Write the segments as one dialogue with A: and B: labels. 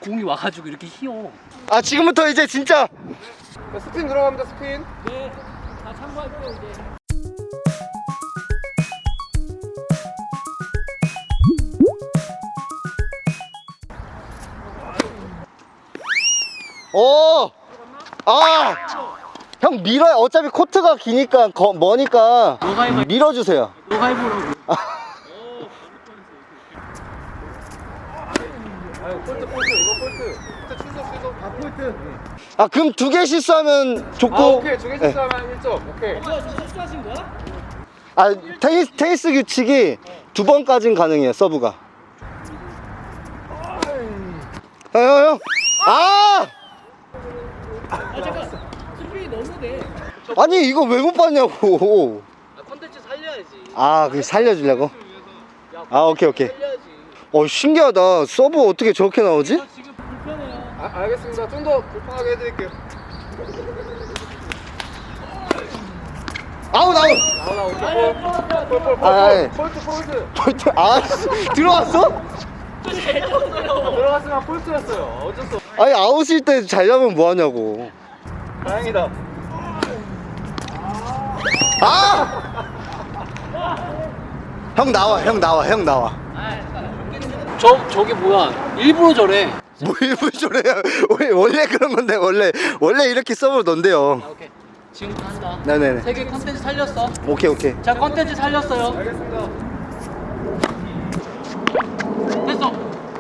A: 공이 와가지고 이렇게 휘어.
B: 아 지금부터 이제 진짜
C: 스핀 들어갑니다. 스핀.
A: 네, 다 참고할게요 이제.
B: 오! 아! 형 밀어요. 어차피 코트가 기니까 머니까
A: 너가 해봐.
B: 밀어주세요.
A: 너가 해보라고.
C: 아유 폴트 이거 폴트. 취소. 아 폴트.
B: 아 그럼 2개 실수하면 좋고.
C: 아 오케이 2개
B: 네.
C: 실수하면 1점. 오케이.
A: 뭐야 좀 실수하신 거야?
B: 아 테니스 규칙이 2번까진 가능해요. 서브가. 형. 아!
A: 아 잠깐. 스피이 너무 돼.
B: 아니 이거 왜 못 봤냐고.
A: 아, 컨텐츠 살려야지.
B: 아 그게 살려주려고? 아 오케이.
A: 살려야지.
B: 신기하다. 서브 어떻게 저렇게 나오지?
A: 저 지금 불편해요.
C: 아 알겠습니다. 좀 더 불편하게 해드릴게요.
B: 아웃. 아이.
C: 폴트.
B: 폴트. 아 들어왔어?
C: 들어갔으면 폴트였어요. 어쩔 수 없어.
B: 아니 아웃일 때 잘려면 뭐하냐고.
C: 다행이다.
B: 아! 형 나와.
A: 저게 뭐야? 일부러 저래.
B: 뭐 일부러 저래요. 원래 그런 건데 원래 이렇게 서브를 넣는데요.
A: 아, 오케이. 지금부터 한다.
B: 네네네.
A: 세계 컨텐츠 살렸어.
B: 오케이.
A: 자, 컨텐츠 살렸어요.
C: 알겠습니다.
A: 됐어.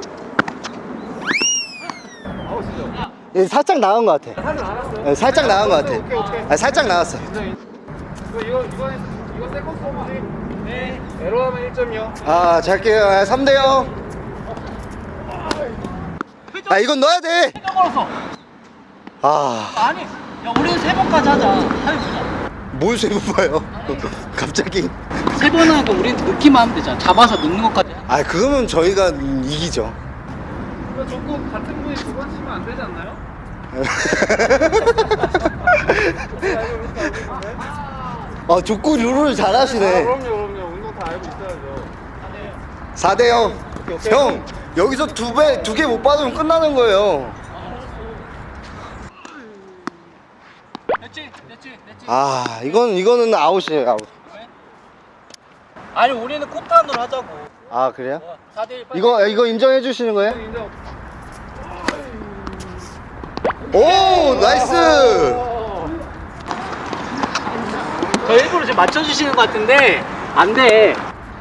C: 아웃이죠.
B: 예, 살짝 나간 것 같아.
C: 사진 알았어요.
B: 예, 살짝 나간 것 같아.
C: 오케이.
B: 아, 살짝 나갔어.
C: 이거 세컨 서브지. 네. 에러하면 1점이요.
B: 아 잘게요. 3대0. 아 이건 넣어야 돼.
A: 걸었어.
B: 아
A: 아니, 야, 우리는 3번까지 하자. 해보자.
B: 뭘 세고 봐요. 갑자기.
A: 3번 하고 우린 넣기만 하면 되잖아. 잡아서 넣는 것까지.
B: 아 그러면 저희가 이기죠.
C: 이거 조금 같은 분이 2번 치면 안 되지 않나요?
B: 아 족구 룰을 잘하시네.
C: 그럼요. 운동 다 알고 있어야죠.
B: 4대0.
C: 오케이.
B: 형 여기서 2개 못 받으면 끝나는 거예요.
A: 됐지.
B: 아 이거는 아웃이에요. 아웃.
A: 아니, 우리는 코트안으로 하자고.
B: 아 그래요?
A: 4대1
B: 이거 인정해 주시는 거예요?
C: 인정.
B: 오 나이스.
A: 저 일부러 지금 맞춰주시는 것 같은데 안 돼.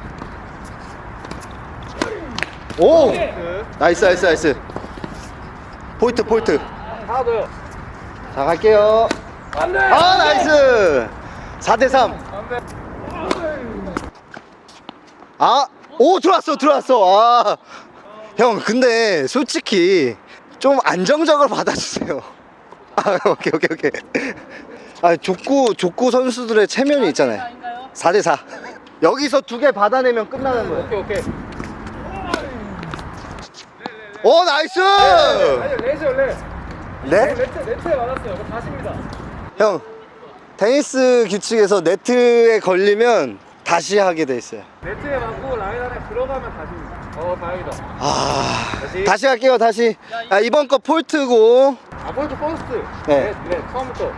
B: 오 나이스. 포인트.
C: 하나 더요.
B: 자 갈게요.
C: 안 돼.
B: 아 나이스. 4대3.
C: 안 돼.
B: 오 들어왔어. 아 형 근데 솔직히 좀 안정적으로 받아주세요. 아 오케이. 아 족구 선수들의 체면이 있잖아요. 4대4. 여기서 2개 받아내면 끝나는 거예요.
C: 오케이.
B: 오 나이스.
C: 아니 레이저 레.
B: 네?
C: 네트에 맞았어요. 그거 다시입니다.
B: 형 테니스 규칙에서 네트에 걸리면 다시 하게 돼 있어요.
C: 네트에 맞고 라인 안에 들어가면 다시입니다. 다행이다.
B: 다시 할게요. 다시. 이번 거 폴트고.
C: 폴트 퍼스트.
B: 네.
C: 네, 처음부터.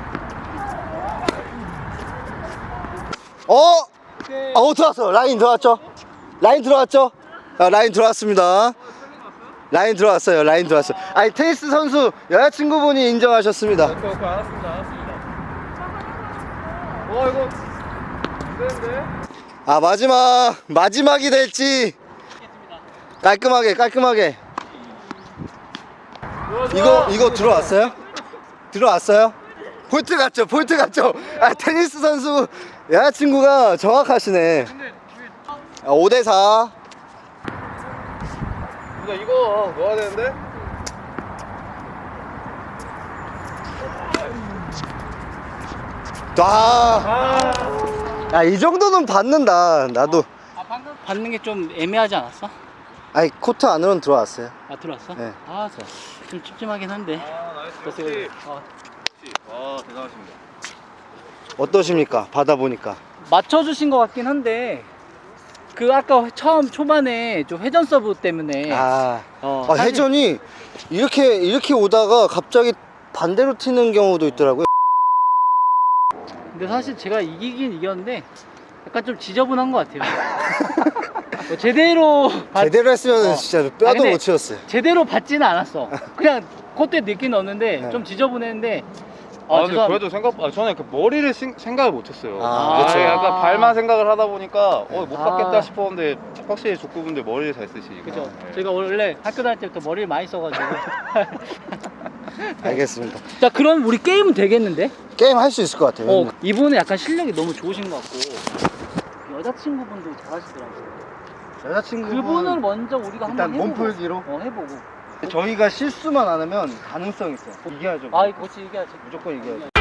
B: 들어왔어. 라인 들어왔죠? 라인 들어왔습니다. 라인 들어왔어요. 아니 테니스 선수 여자친구분이 인정하셨습니다.
C: 오케이, 알았습니다. 이거 안 되는데?
B: 마지막이 될지 깔끔하게. 이거 들어왔어요? 폴트 같죠? 아 테니스 선수 여자친구가 정확하시네. 5대4.
C: 이거 넣어야 되는데?
B: 이 정도는 받는다. 나도.
A: 방금 받는 게 좀 애매하지 않았어?
B: 아니 코트 안으로는 들어왔어요.
A: 들어왔어?
B: 네.
A: 좋았어. 좀 찝찝하긴 한데.
C: 나이스. 대단하십니다.
B: 어떠십니까? 받아보니까.
A: 맞춰주신 것 같긴 한데 그 아까 처음 초반에 좀 회전 서브 때문에 사실-
B: 회전이 이렇게 오다가 갑자기 반대로 튀는 경우도 있더라고요.
A: 근데 사실 제가 이기긴 이겼는데 약간 좀 지저분한 것 같아요. 뭐 제대로
B: 제대로 했으면
A: 어.
B: 진짜
A: 아,
B: 뼈도
A: 근데
B: 못 치웠어요.
A: 제대로 받지는 않았어. 그냥 그때 느낌 넣었는데
B: 네.
A: 좀 지저분했는데
C: 근데 그래도 저는 그 머리를 생각을 못했어요.
B: 그렇죠.
C: 약간 발만 생각을 하다 보니까 못 받겠다
A: 아.
C: 싶었는데 확실히 족구분들 머리를 잘 쓰시니까.
A: 그죠.
C: 네.
A: 제가 원래 학교 다닐 때부터 머리를 많이 써가지고.
B: 알겠습니다.
A: 자, 그럼 우리 게임은 되겠는데?
B: 게임 할 수 있을 것 같아요.
A: 이분은 약간 실력이 너무 좋으신 것 같고 여자친구분도 잘하시더라고요.
B: 여자친구분
A: 그분을 먼저 우리가
B: 일단
A: 한번 해보고
B: 몸풀기로
A: 해보고.
B: 저희가 실수만 안 하면 가능성이 있어요. 이겨야죠.
A: 아, 그렇지, 이겨야지.
B: 무조건 이겨야죠.